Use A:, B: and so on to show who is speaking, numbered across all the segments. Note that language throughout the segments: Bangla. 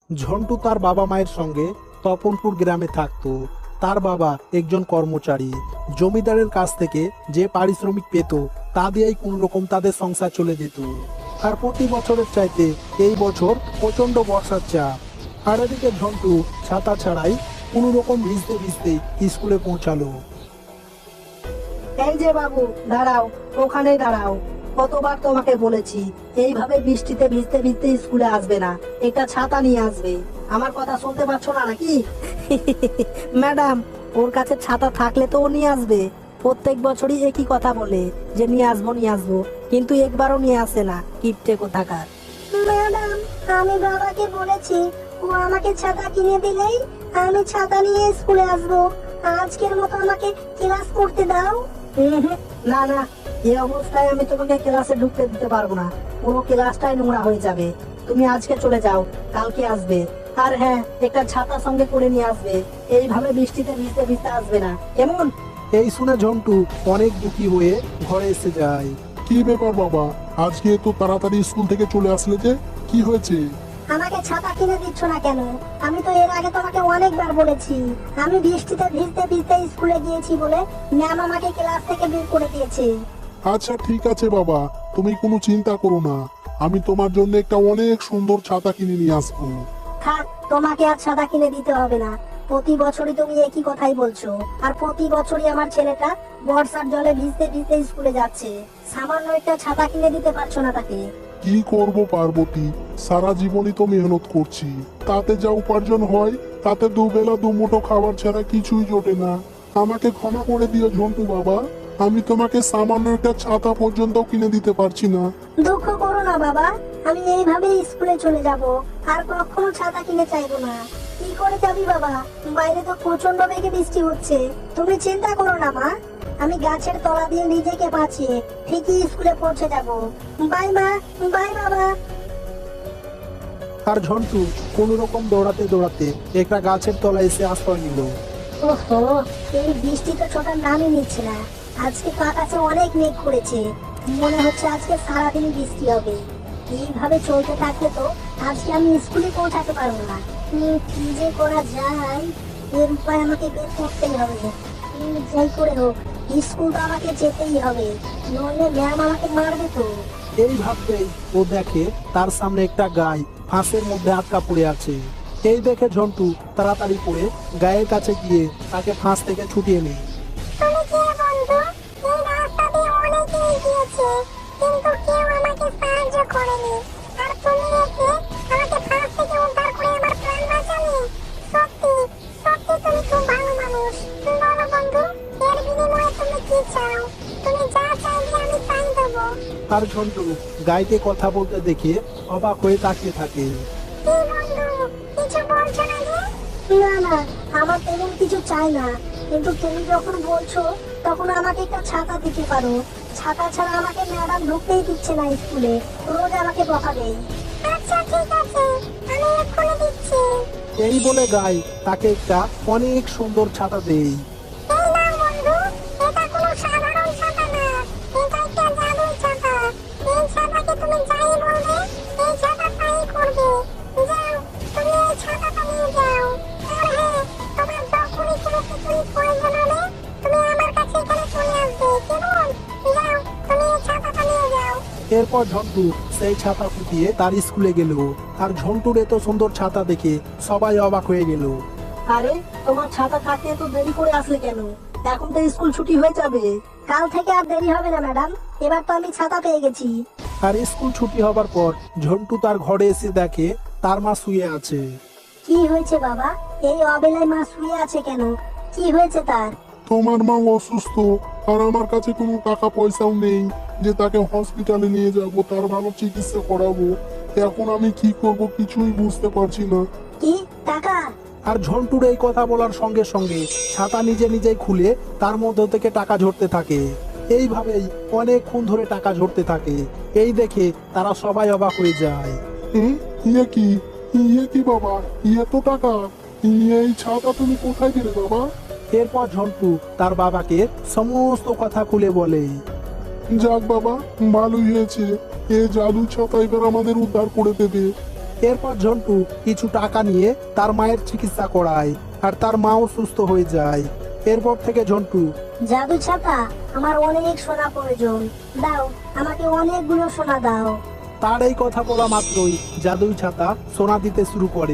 A: ঝন্টু তার বাবা মায়ের সঙ্গে তপনপুর গ্রামে থাকতো। তার বাবা একজন কর্মচারী। জমিদারের কাছ থেকে যে পারিশ্রমিক পেত তা দিয়েই কোন রকম তাদের সংসার চলে যেত। আর প্রতি বছরের চাইতে এই বছর প্রচন্ড বর্ষার চাপ। আর এদিকে ঝন্টু ছাতা ছাড়াই কোন রকম ভিজতে ভিজতে স্কুলে পৌঁছালো।
B: এই যে বাবু, দাঁড়াও, ওখানেই দাঁড়াও। কতবার তোমাকে বলেছি এইভাবে বৃষ্টিতে ভিজতে ভিজতে স্কুলে আসবে না, একটা ছাতা নিয়ে আসবে। আমার কথা শুনতে পাচ্ছ না নাকি? ম্যাডাম, ওর কাছে ছাতা থাকলে তো ও নিয়ে আসবে। প্রত্যেক বছরই একই কথা বলে যে নিয়ে আসবো নিয়ে আসবো, কিন্তু একবারও নিয়ে আসে না, কিপটে কোথাকার।
C: ম্যাডাম, আমি বাবাকে বলেছি ও আমাকে ছাতা কিনে দিলেই আমি ছাতা নিয়ে স্কুলে আসবো। আজকের মতো আমাকে ক্লাস করতে দাও।
B: না না, এই অবস্থায় আমি তোমাকে ক্লাসে ঢুকতে দিতে পারবো না। পুরো ক্লাসটাই নোংরা হয়ে যাবে। তুমি আজকে চলে যাও, কালকে আসবে। আর হ্যাঁ, একটা ছাতা সঙ্গে করে নিয়ে আসবে। এইভাবে বৃষ্টিতে ভিজতে ভিজতে আসবে না, কেমন?
A: এই শুনে ঝন্টু অনেক দুঃখী হয়ে ঘরে এসে যায়।
D: কি ব্যাপার বাবা, আজকে এত তাড়াতাড়ি স্কুল থেকে চলে আসলে যে, কি হয়েছে?
C: আমাকে ছাতা কিনে দিচ্ছ না কেন? আমি তো এর আগে তোমাকে অনেকবার বলেছি আমি বৃষ্টিতে ভিজতে ভিজতে স্কুলে গিয়েছি বলে ম্যাম আমাকে ক্লাস থেকে বের করে দিয়েছে।
D: আচ্ছা ঠিক আছে বাবা, তুমি কোনো চিন্তা করো না, আমি তোমার জন্য একটা অনেক সুন্দর ছাতা কিনে নিয়ে আসবো।
C: থাক, তোমাকে আর ছাতা কিনে দিতে হবে না। প্রতি বছরই তুমি একই কথাই বলছো, আর প্রতি বছরই আমার ছেলেটা বর্ষার জলে ভিজতে ভিজতে স্কুলে যাচ্ছে। সামান্য একটা ছাতা কিনে দিতে পারছো না তাকে।
D: কি করব পার্বতী, সারা জীবনই তো মেহনত করছি, তাতে যা উপার্জন হয় তাতে দুবেলা দুমুঠো খাবার ছাড়া কিছুই জোটে না। আমাকে ক্ষমা করে দিও ঝন্টু বাবা, আমি তোমাকে সামান্য একটা ছাতা পর্যন্ত কিনে দিতে পারছি না।
C: দুঃখ করো না বাবা, আমি এইভাবে স্কুলে চলে যাব, আর কখনো ছাতা কিনে চাইবো না। কি করে যাবি বাবা? বাইরে তো প্রচন্ড বেগে বৃষ্টি হচ্ছে। তুমি চিন্তা করো না মা, আমি গাছের তলা দিয়ে নিজেকে বাঁচিয়ে ঠিকই স্কুলে পৌঁছে যাব। বাই মা, বাই বাবা।
A: আর ঝন্টু কোন রকম দৌড়াতে দৌড়াতে একটা গাছের তলায় এসে আশ্রয় নিল।
C: ওহো, এই বৃষ্টি তো ছোটার নামই নিচ্ছে না। আজকে তো আকাশে অনেক মেঘ করেছে, মনে হচ্ছে আজকে সারাদিন বৃষ্টি হবে। এইভাবে চলতে থাকলে তো আজকে আমি স্কুলে পৌঁছাতে পারবো না। কি যে করা যায়, এর উপায় আমাকে বের করতেই হবে। যাই করে হোক, স্কুল তো আমাকে যেতেই হবে, নইলে ম্যাম আমাকে মারবে তো।
A: এই ভাবতেই ও দেখে তার সামনে একটা গাই ফাঁসের মধ্যে আটকা পড়ে আছে। এই দেখে ঝন্টু তাড়াতাড়ি করে গায়ের কাছে গিয়ে তাকে ফাঁস থেকে ছুটিয়ে নেয়।
C: তুমি কে বন্ধু? এই রাস্তা দিয়ে অনেকেই গিয়েছে, কিন্তু কেউ আমাকে সাহায্য করেনি। আর তুমি এসে আমাকে ফাঁস থেকে উদ্ধার করে আমার প্রাণ বাঁচালে। সত্যি সত্যি তুমি খুব ভালো মানুষ। বলো বন্ধু, এর বিনিময়ে তুমি কি চাও? তুমি যা চাইবে আমি তাই দেবো।
A: আর ঝন্টু গাইকে কথা বলতে দেখে অবাক হয়ে তাকিয়ে থাকে।
C: কি বন্ধু, কিছু বলছো না যে? না না, আমার তেমন কিছু চাই না, কিন্তু তুমি যখন বলছো তখন আমাকে একটা ছাতা দিতে পারো। ছাতা ছাড়া আমাকে ম্যাডাম ঢুকতেই দিচ্ছে না স্কুলে, রোজ আমাকে বকা দেয়। আচ্ছা ঠিক আছে, আমি এক্ষুনি দিচ্ছি।
A: এই বলে গাই তাকে একটা অনেক সুন্দর ছাতা দেয়।
C: এই নাও বন্ধু, এটা কোনো সাধারণ ছাতা না, এটা একটা জাদুর ছাতা। এই ছাতাকে তুমি যাই বলবে, এই ছাতা তাই করবে। যাও, তুমি এই ছাতাটা নিয়ে যাও। আর হ্যাঁ, তোমার যখনই কোনো কিছুর প্রয়োজন হবে তুমি আমার কাছে এখানে চলে আসবে, কেমন? যাও, তুমি এই ছাতাটা নিয়ে যাও।
A: এরপর ঝন্টু সেই ছাতা ফুটিয়ে তার স্কুলে গেল। আর ঝন্টুর এত সুন্দর ছাতা দেখে সবাই অবাক হয়ে গেল।
B: আরে, তোমার ছাতা থাকতে এত দেরি করে আসলে কেন? এখন তো স্কুল ছুটি হয়ে যাবে।
C: কাল থেকে আর দেরি হবে না ম্যাডাম, এবার তো আমি ছাতা পেয়ে গেছি।
A: আর স্কুল ছুটি হবার পর ঝন্টু তার ঘরে এসে দেখে তার মা শুয়ে আছে।
C: কি হয়েছে বাবা? এই অবেলায় মা শুয়ে আছে কেন? কি হয়েছে তার?
D: তোমার মা অসুস্থ, আর আমার কাছে কোনো টাকা পয়সাও নেই যে তাকে হসপিটালে নিয়ে যাব, তার ভালো চিকিৎসা করাবো। এখন আমি কি করব কিছুই বুঝতে পারছি না।
C: কি টাকা?
A: আর ঝন্টুর এই কথা বলার সঙ্গে সঙ্গে ছাতা নিজে নিজেই খুলে তার মধ্যে থেকে টাকা ঝরতে থাকে। এইভাবেই অনেকক্ষণ ধরে টাকা ঝরতে থাকে। এই দেখে তারা সবাই অবাক হয়ে যায়।
D: ইয়ে কি, ইয়ে কি বাবা, ইয়ে তো টাকা, এই ছাতা তুমি কোথায় পেলে বাবা?
A: এরপর ঝন্টু তার বাবাকে সমস্ত কথা খুলে বলে।
D: যাক বাবা, ভালোই হয়েছে, এ জাদু ছাতা এবার আমাদের উদ্ধার করে দেবে।
A: এরপর ঝন্টু কিছু টাকা নিয়ে তার মায়ের চিকিৎসা করায় আর তার মাও সুস্থ হয়ে যায়। এরপর থেকে ঝন্টু
C: জাদু ছাতা, আমার অনেক সোনা প্রয়োজন, দাও আমাকে অনেকগুলো সোনা দাও।
A: তার এই কথা বলা মাত্রই জাদুই ছাতা সোনা দিতে শুরু করে।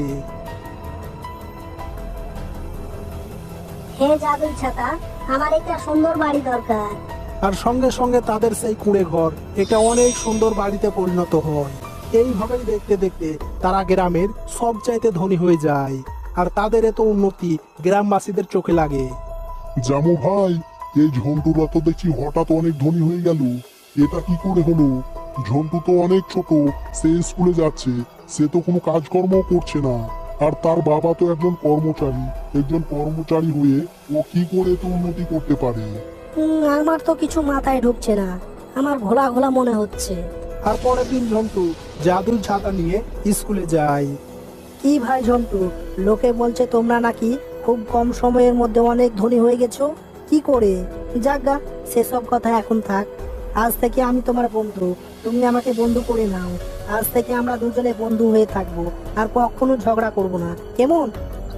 C: হে জাদুই ছাতা, আমার একটা সুন্দর বাড়ি দরকার।
A: আর সঙ্গে সঙ্গে তাদের সেই কুঁড়ে ঘর এটা অনেক সুন্দর বাড়িতে পরিণত হয়। এইভাবেই দেখতে দেখতে তারা গ্রামের সবচাইতে ধনী হয়ে যায় আর তাদের এত উন্নতি গ্রামবাসীদের চোখে লাগে।
D: জামু ভাই, এই ঝন্টুরা তো দেখছি হঠাৎ অনেক ধনী হয়ে গেল, এটা কি করে হলো? ঝন্টু তো অনেক ছোট, সে স্কুলে যাচ্ছে, সে তো কোনো কাজকর্ম করছে না, আর তার বাবা তো একজন কর্মচারী হয়ে ও কি করে তো উন্নতি করতে পারে?
B: আমার তো কিছু মাথায় ঢুকছে না, আমার ঘোলা ঘোলা মনে হচ্ছে।
A: আর পরের দিন ঝন্টু জাদুর ছাতা নিয়ে স্কুলে যায়।
B: কি ভাই ঝন্টু, লোকে বলছে তোমরা নাকি খুব কম সময়ের মধ্যে অনেক ধনী হয়ে গেছো, কি করে? যাজ্ঞা, সেসব কথা এখন থাক। আজ থেকে আমি তোমার বন্ধু, তুমি আমাকে বন্ধু করে নাও। আজ থেকে আমরা দুজনে বন্ধু হয়ে থাকবো, আর কখনো ঝগড়া করব না, কেমন?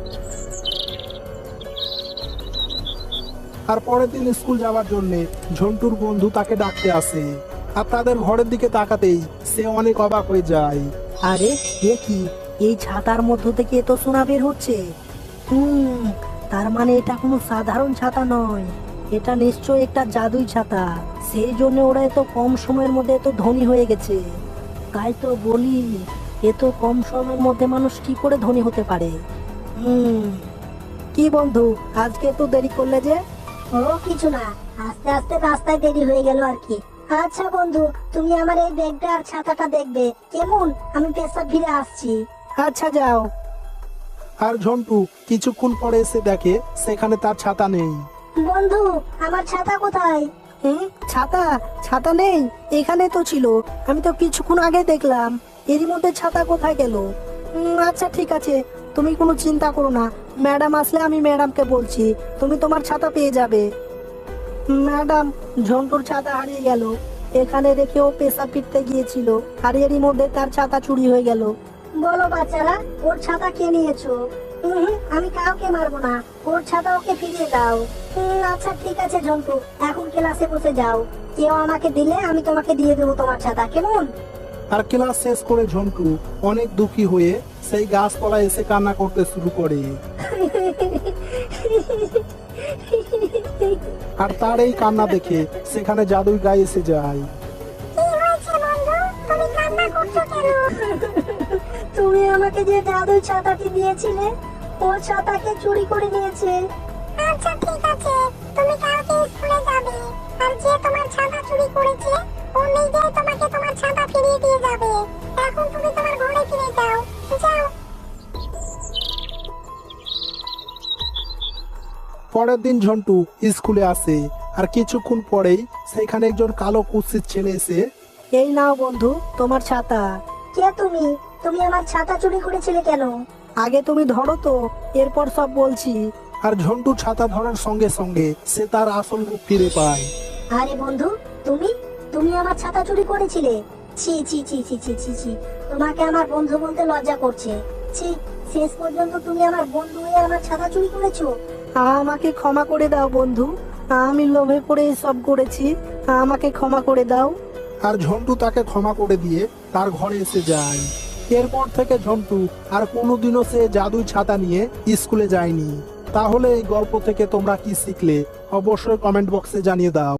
A: আর পরের দিন স্কুল যাওয়ার জন্য ঝন্টুর বন্ধু তাকে ডাকতে আসে। আর তাদের ঘরের দিকে তাকাতেই সে অনেক অবাক হয়ে যায়।
B: আরে এ কি, এই ছাতার মধ্য থেকে এত সোনা বের হচ্ছে। তার মানে এটা কোনো সাধারণ ছাতা নয়, এটা নিশ্চয়ই একটা জাদুই ছাতা। সেই জন্য ওরা এত কম সময়ের মধ্যে এত ধনী হয়ে গেছে। তাই তো বলি, এত কম সময়ের মধ্যে মানুষ কি করে ধনী হতে পারে? কি বন্ধু, আজকে তো দেরি করলে যে?
C: ও কিছু না, আস্তে আস্তে রাস্তায় দেরি হয়ে গেল আর কি। আচ্ছা বন্ধু, তুমি আমার এই ব্যাগটা আর ছাতাটা দেখবে, কেমন? আমি পেশা ফিরে আসছি।
B: আচ্ছা যাও।
A: আর ঝন্টু কিছুক্ষণ পরে এসে দেখে সেখানে তার ছাতা নেই।
C: বন্ধু, আমার ছাতা কোথায়?
B: ছাতা? ছাতা নেই? এখানে তো ছিল, আমি তো কিছুক্ষণ আগে দেখলাম। এরই মধ্যে ছাতা কোথায় গেল? আচ্ছা ঠিক আছে, তুমি কোনো চিন্তা করো না, ম্যাডাম আসলে আমি ম্যাডামকে বলছি, তুমি তোমার ছাতা পেয়ে যাবে। ম্যাডাম, ঝন্টুর ছাতা হারিয়ে গেল, এখানে রেখে ও পেশা ফিরতে গিয়েছিল, আর এরই মধ্যে তার ছাতা চুরি হয়ে গেল।
C: বলো বাচ্চারা, ওর ছাতা কে নিয়েছো? আমি কাউকে মারবো না, ওর ছাতা ওকে ফিরিয়ে দাও। আচ্ছা ঠিক আছে ঝন্টু, এখন ক্লাসে বসে যাও, কেউ আমাকে দিলে আমি তোমাকে দিয়ে দেবো তোমার ছাতা, কেমন?
A: আর ক্লাস শেষ করে ঝন্টু অনেক দুঃখী হয়ে সেই গাছতলায় এসে কান্না করতে শুরু করে। আর তার এই কান্না দেখে সেখানে জাদুই গায়ে এসে যায়।
C: তুমি আমাকে যে জাদুর ছাতাটি দিয়েছিলে, ও ছাতাকে চুরি করে নিয়েছে। আচ্ছা ঠিক আছে, তুমি কালকে স্কুলে যাবে, আর যে তোমার ছাতা চুরি করেছে ও নিজেই তোমাকে তোমার ছাতা ফিরিয়ে দিয়ে যাবে। এখন তুমি তোমার ঘরে ফিরে যাও, যাও।
A: পরের দিন ঝন্টু স্কুলে আসে আর কিছুক্ষণ পরেই সেখানে একজন কালো কুৎসিত ছেলে এসে,
B: এই নাও বন্ধু তোমার ছাতা।
C: কে তুমি? তুমি আমার ছাতা চুরি করেছিলে কেন?
B: আগে তুমি ধরো তো, এরপর সব বলছি।
A: আর ঝন্টু ছাতা ধরার সঙ্গে সঙ্গে সে তার আসল রূপ ফিরে পায়।
C: আরে বন্ধু, তুমি তুমি আমার ছাতা চুরি করেছিলে? ছি ছি ছি ছি ছি ছি ছি, তোমাকে আমার বন্ধু বলতে লজ্জা করছে। ছি, শেষ পর্যন্ত তুমি আমার বন্ধু হয়ে আমার ছাতা চুরি করেছো।
B: আমাকে ক্ষমা করে দাও বন্ধু, আমি লোভে পড়ে সব করেছি, আমাকে ক্ষমা করে দাও।
A: আর ঝন্টু তাকে ক্ষমা করে দিয়ে তার ঘরে এসে যায়। এরপর থেকে ঝন্টু আর কোনোদিনও সে জাদুই ছাতা নিয়ে স্কুলে যায়নি। তাহলে এই গল্প থেকে তোমরা কি শিখলে অবশ্যই কমেন্ট বক্সে জানিয়ে দাও।